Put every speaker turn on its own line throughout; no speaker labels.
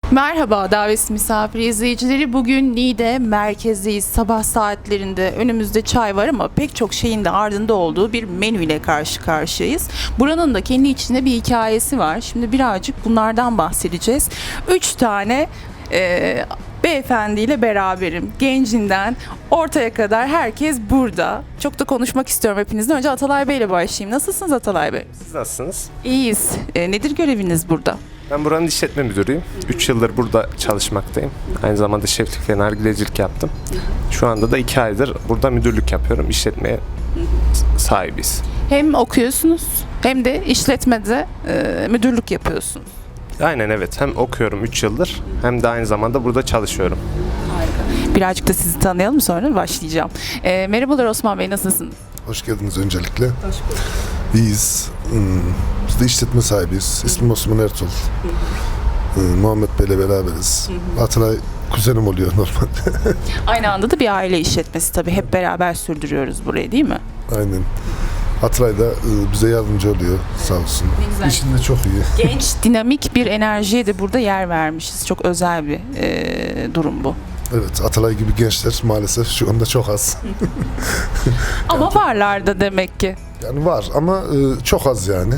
Merhaba davetsiz misafir izleyicileri. Bugün Niğde merkezdeyiz. Sabah saatlerinde önümüzde çay var ama pek çok şeyin de ardında olduğu bir menüyle karşı karşıyayız. Buranın da kendi içinde bir hikayesi var. Şimdi birazcık bunlardan bahsedeceğiz. 3 tane beyefendiyle beraberim. Gencinden ortaya kadar herkes burada. Çok da konuşmak istiyorum hepinizden. Önce Atalay Bey ile başlayayım. Nasılsınız Atalay Bey?
Siz nasılsınız?
İyiyiz. Nedir göreviniz burada?
Ben buranın işletme müdürüyüm. 3 yıldır burada çalışmaktayım. Aynı zamanda şeflik ve nargilecilik yaptım. Şu anda da 2 aydır burada müdürlük yapıyorum. İşletmeye sahibiz.
Hem okuyorsunuz hem de işletmede müdürlük yapıyorsunuz.
Aynen evet. Hem okuyorum 3 yıldır hem de aynı zamanda burada çalışıyorum.
Birazcık da sizi tanıyalım sonra başlayacağım. Merhabalar Osman Bey, nasılsınız?
Hoş geldiniz öncelikle. Hoş bulduk. İyiyiz. Biz de işletme sahibiyiz. İsmim Osman Ertuğrul. Muhammed Bey'le beraberiz. Atalay kuzenim oluyor normalde.
Aynı anda da bir aile işletmesi tabii. Hep beraber sürdürüyoruz burayı, değil mi?
Aynen. Atalay da bize yardımcı oluyor sağ olsun.
Ne güzel.
İşinde çok iyi.
Genç, dinamik bir enerjiye de burada yer vermişiz. Çok özel bir durum bu.
Evet, Atalay gibi gençler maalesef şu anda çok az.
Ama varlar da demek ki.
Yani var ama çok az yani.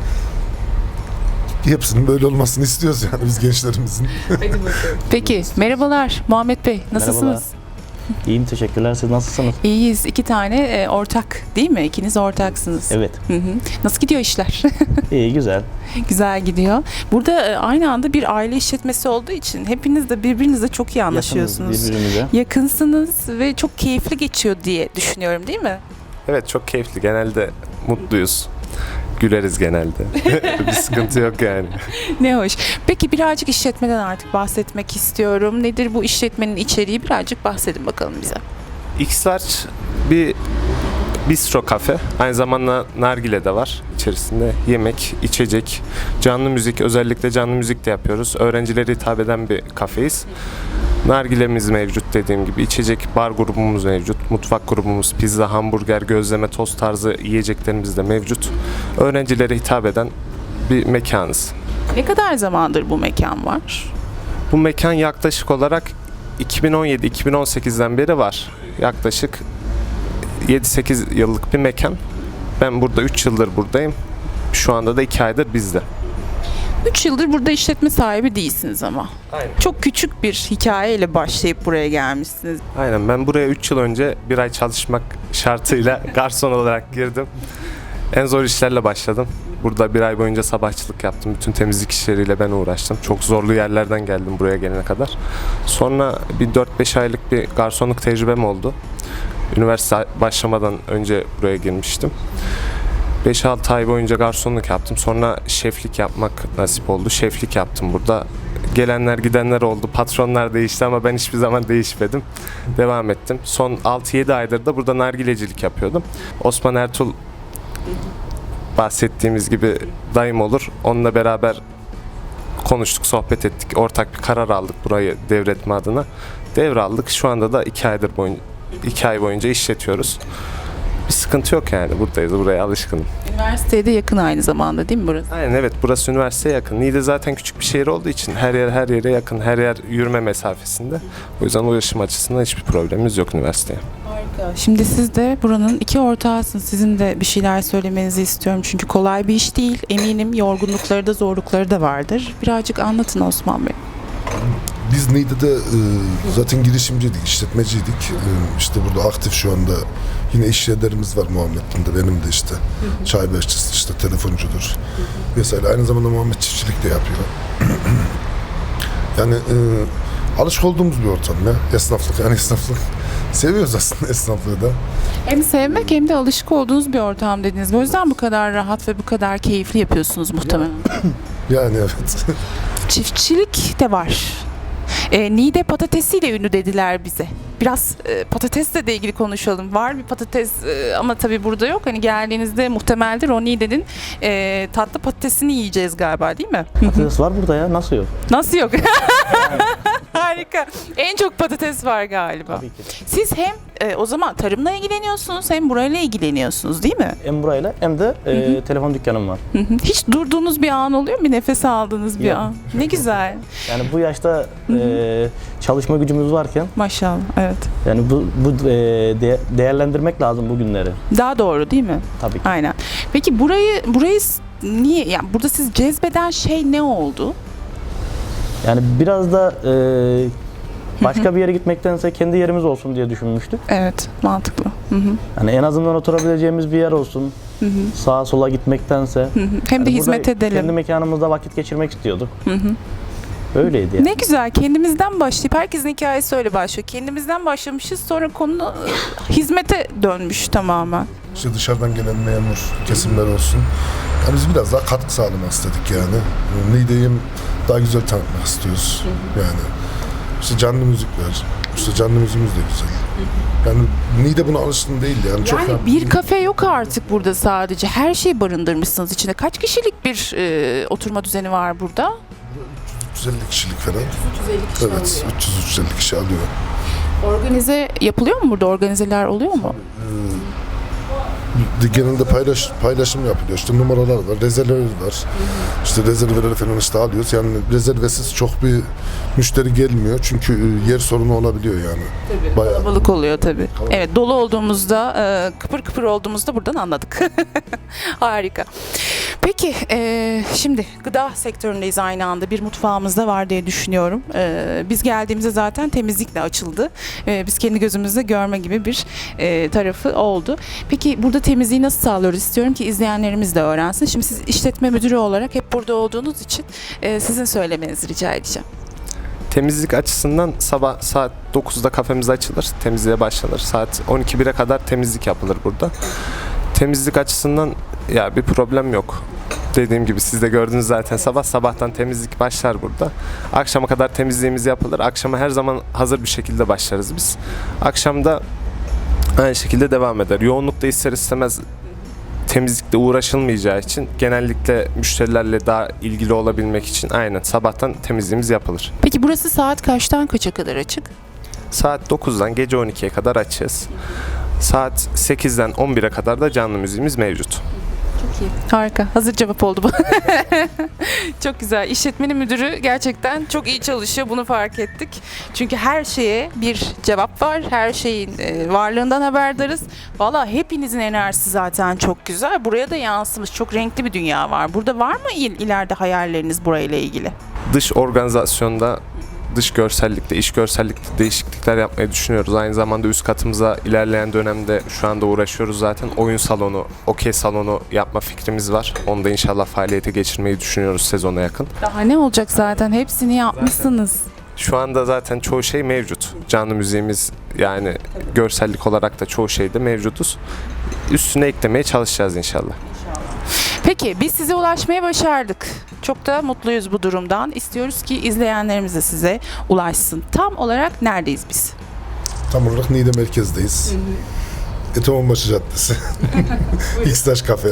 Hepsinin böyle olmasını istiyoruz yani biz gençlerimizin.
Peki, merhabalar Muhammed Bey, nasılsınız?
Merhabalar. İyiyim, teşekkürler. Siz nasılsınız?
İyiyiz. 2 tane ortak değil mi? İkiniz ortaksınız.
Evet.
Hı hı. Nasıl gidiyor işler?
İyi, güzel.
Güzel gidiyor. Burada aynı anda bir aile işletmesi olduğu için hepiniz de birbirinizle çok iyi anlaşıyorsunuz.
Yakınız birbirimize.
Yakınsınız ve çok keyifli geçiyor diye düşünüyorum, değil mi?
Evet çok keyifli. Genelde mutluyuz. Güleriz genelde. Bir sıkıntı yok yani.
Ne hoş. Peki birazcık işletmeden artık bahsetmek istiyorum. Nedir bu işletmenin içeriği? Birazcık bahsedin bakalım bize.
X-Large bir bistro kafe. Aynı zamanda nargile de var içerisinde. Yemek, içecek, canlı müzik, özellikle canlı müzik de yapıyoruz. Öğrencilere hitap eden bir kafeyiz. Nargilemiz mevcut dediğim gibi. İçecek bar grubumuz mevcut. Mutfak grubumuz, pizza, hamburger, gözleme, tost tarzı yiyeceklerimiz de mevcut. Öğrencilere hitap eden bir mekanız.
Ne kadar zamandır bu mekan var?
Bu mekan yaklaşık olarak 2017-2018'den beri var. Yaklaşık 7-8 yıllık bir mekan. Ben burada 3 yıldır buradayım. Şu anda da 2 aydır bizde.
3 yıldır burada işletme sahibi değilsiniz ama.
Aynen.
Çok küçük bir hikayeyle başlayıp buraya gelmişsiniz.
Aynen ben buraya 3 yıl önce bir ay çalışmak şartıyla garson olarak girdim. En zor işlerle başladım. Burada bir ay boyunca sabahçılık yaptım. Bütün temizlik işleriyle ben uğraştım. Çok zorlu yerlerden geldim buraya gelene kadar. Sonra bir 4-5 aylık bir garsonluk tecrübem oldu. Üniversite başlamadan önce buraya girmiştim. 5-6 ay boyunca garsonluk yaptım. Sonra şeflik yapmak nasip oldu. Şeflik yaptım burada. Gelenler gidenler oldu. Patronlar değişti ama ben hiçbir zaman değişmedim. Devam ettim. Son 6-7 aydır da burada nargilecilik yapıyordum. Osman Ertuğrul bahsettiğimiz gibi dayım olur. Onunla beraber konuştuk, sohbet ettik. Ortak bir karar aldık burayı devretme adına. Devraldık. Şu anda da 2 ay boyunca işletiyoruz. Bir sıkıntı yok yani. Buradayız. Buraya alışkınım.
Üniversiteye de yakın aynı zamanda değil mi burası?
Aynen evet. Burası üniversiteye yakın. Niğde zaten küçük bir şehir olduğu için her yere yakın. Her yer yürüme mesafesinde. O yüzden ulaşım açısından hiçbir problemimiz yok üniversiteye.
Harika. Şimdi siz de buranın 2 ortağısınız. Sizin de bir şeyler söylemenizi istiyorum. Çünkü kolay bir iş değil. Eminim yorgunlukları da zorlukları da vardır. Birazcık anlatın Osman Bey.
Biz Niğde'de zaten girişimciydik, işletmeciydik. İşte burada aktif şu anda yine iş yerlerimiz var Muhammed'in de, benim de işte. Çay bahçesi, işte telefoncudur vesaire. Aynı zamanda Muhammed çiftçilik de yapıyor. Yani alışık olduğumuz bir ortam ya. Esnaflık. Seviyoruz aslında esnaflığı da.
Hem sevmek hem de alışık olduğunuz bir ortam dediniz. O yüzden bu kadar rahat ve bu kadar keyifli yapıyorsunuz muhtemelen.
Yani evet.
Çiftçilik de var. Niğde patatesiyle ünlü dediler bize. Biraz patatesle de ilgili konuşalım. Var bir patates ama tabii burada yok. Hani geldiğinizde muhtemeldir o Niğde'nin tatlı patatesini yiyeceğiz galiba değil mi?
Patates var burada ya, nasıl yok?
Nasıl yok? Harika. En çok patates var galiba.
Tabii ki.
Siz hem o zaman tarımla ilgileniyorsunuz hem burayla ilgileniyorsunuz değil mi?
Hem burayla hem de telefon dükkanım var.
Hı hı. Hiç durduğunuz bir an oluyor mu? Bir nefes aldığınız bir
Yok.
an. Ne güzel.
Yani bu yaşta çalışma gücümüz varken
Maşallah. Evet.
yani bu değerlendirmek lazım bu günleri.
Daha doğru değil mi?
Tabii ki.
Aynen. Peki burayı niye, yani burada siz cezbeden şey ne oldu?
Yani biraz da başka bir yere gitmektense kendi yerimiz olsun diye düşünmüştük.
Evet, mantıklı. Hı hı.
Yani en azından oturabileceğimiz bir yer olsun.
Hı hı.
Sağa sola gitmektense.
Hı hı. Hem de
Yani
hizmet
burada
edelim.
kendi mekanımızda vakit geçirmek istiyorduk.
Hı hı.
Öyleydi yani.
Ne güzel, kendimizden başlayıp herkesin hikayesi öyle başlıyor. Kendimizden başlamışız, sonra konu hizmete dönmüş tamamen.
İşte dışarıdan gelen memur kesimler olsun. Yani biz biraz daha katkı sağlamak istedik yani. Niğde'yi daha güzel tanıtmak istiyoruz. Yani işte canlı müzikler, işte canlı müziğimiz de güzel. Yani Niğde buna alışkın değil yani. Çok
Yani bir kafe yok artık burada sadece. Her şeyi barındırmışsınız içinde. Kaç kişilik bir oturma düzeni var burada?
350 kişilik falan.
350 kişi
Evet, 350 kişi alıyor.
Organize yapılıyor mu burada? Organizeler oluyor mu?
Genelde paylaşım yapılıyor. İşte numaralar var, rezerveler var. İşte rezerveleri falan işte alıyoruz. Yani rezervesiz çok bir müşteri gelmiyor. Çünkü yer sorunu olabiliyor yani.
Tabii.
Bayağı.
Kalabalık oluyor tabii. Evet, dolu olduğumuzda, kıpır kıpır olduğumuzda buradan anladık. Harika. Peki, şimdi gıda sektöründeyiz aynı anda. Bir mutfağımız da var diye düşünüyorum. Biz geldiğimizde zaten temizlikle açıldı. Biz kendi gözümüzle görme gibi bir tarafı oldu. Peki burada temizliği nasıl sağlıyoruz? İstiyorum ki izleyenlerimiz de öğrensin. Şimdi siz işletme müdürü olarak hep burada olduğunuz için sizin söylemenizi rica edeceğim.
Temizlik açısından sabah saat 9'da kafemiz açılır, temizliğe başlanır. Saat 12-1'e kadar temizlik yapılır burada. Temizlik açısından ya bir problem yok. Dediğim gibi siz de gördünüz zaten sabahtan temizlik başlar burada. Akşama kadar temizliğimiz yapılır. Akşama her zaman hazır bir şekilde başlarız biz. Akşamda aynı şekilde devam eder. Yoğunlukta ister istemez temizlikle uğraşılmayacağı için genellikle müşterilerle daha ilgili olabilmek için aynen sabahtan temizliğimiz yapılır.
Peki burası saat kaçtan kaça kadar açık?
Saat 9'dan gece 12'ye kadar açığız. Saat 8'den 11'e kadar da canlı müziğimiz mevcut.
Çok iyi. Harika. Hazır cevap oldu bu. Çok güzel. İşletmenin müdürü gerçekten çok iyi çalışıyor. Bunu fark ettik. Çünkü her şeye bir cevap var. Her şeyin varlığından haberdarız. Valla hepinizin enerjisi zaten çok güzel. Buraya da yansımış. Çok renkli bir dünya var. Burada var mı ileride hayalleriniz burayla ilgili?
Dış organizasyonda, dış görsellikte, iç görsellikte değişiklikler yapmayı düşünüyoruz. Aynı zamanda üst katımıza ilerleyen dönemde şu anda uğraşıyoruz zaten. Oyun salonu, okey salonu yapma fikrimiz var. Onu da inşallah faaliyete geçirmeyi düşünüyoruz sezona yakın.
Daha ne olacak zaten? Hepsini yapmışsınız.
Şu anda zaten çoğu şey mevcut. Canlı müziğimiz yani görsellik olarak da çoğu şeyde mevcutuz. Üstüne eklemeye çalışacağız inşallah.
Peki biz size ulaşmaya başardık. Çok da mutluyuz bu durumdan. İstiyoruz ki izleyenlerimiz de size ulaşsın. Tam olarak neredeyiz biz?
Tam olarak Niğde merkezdeyiz. Etomonbaşı Caddesi. X'taş Kafe.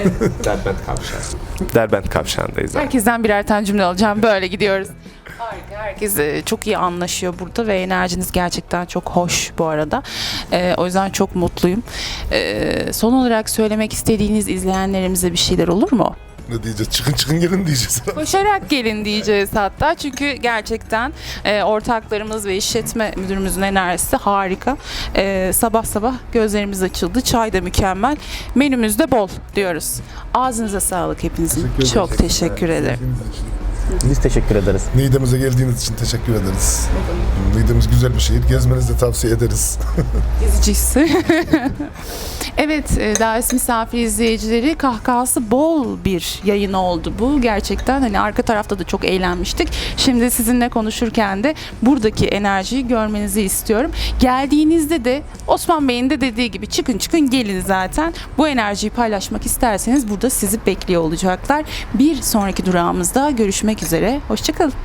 Derbent Kavşağı'ndayız. abi.
Herkesten birer tane cümle alacağım. Böyle gidiyoruz. Harika. Herkes çok iyi anlaşıyor burada ve enerjiniz gerçekten çok hoş bu arada. O yüzden çok mutluyum. Son olarak söylemek istediğiniz izleyenlerimize bir şeyler olur mu?
Ne diyeceğiz? Çıkın gelin diyeceğiz.
Koşarak gelin diyeceğiz hatta. Çünkü gerçekten ortaklarımız ve işletme müdürümüzün enerjisi harika. Sabah gözlerimiz açıldı. Çay da mükemmel. Menümüz de bol diyoruz. Ağzınıza sağlık hepinizin. Çok teşekkür ederim.
Biz teşekkür ederiz.
Niğde'mize geldiğiniz için teşekkür ederiz. Niğde'miz güzel bir şehir. Gezmenizi de tavsiye ederiz.
Gezicisi. Evet, davet misafir izleyicileri, kahkahası bol bir yayın oldu bu. Gerçekten hani arka tarafta da çok eğlenmiştik. Şimdi sizinle konuşurken de buradaki enerjiyi görmenizi istiyorum. Geldiğinizde de Osman Bey'in de dediği gibi çıkın gelin zaten. Bu enerjiyi paylaşmak isterseniz burada sizi bekliyor olacaklar. Bir sonraki durağımızda görüşmek üzere. Hoşça kalın.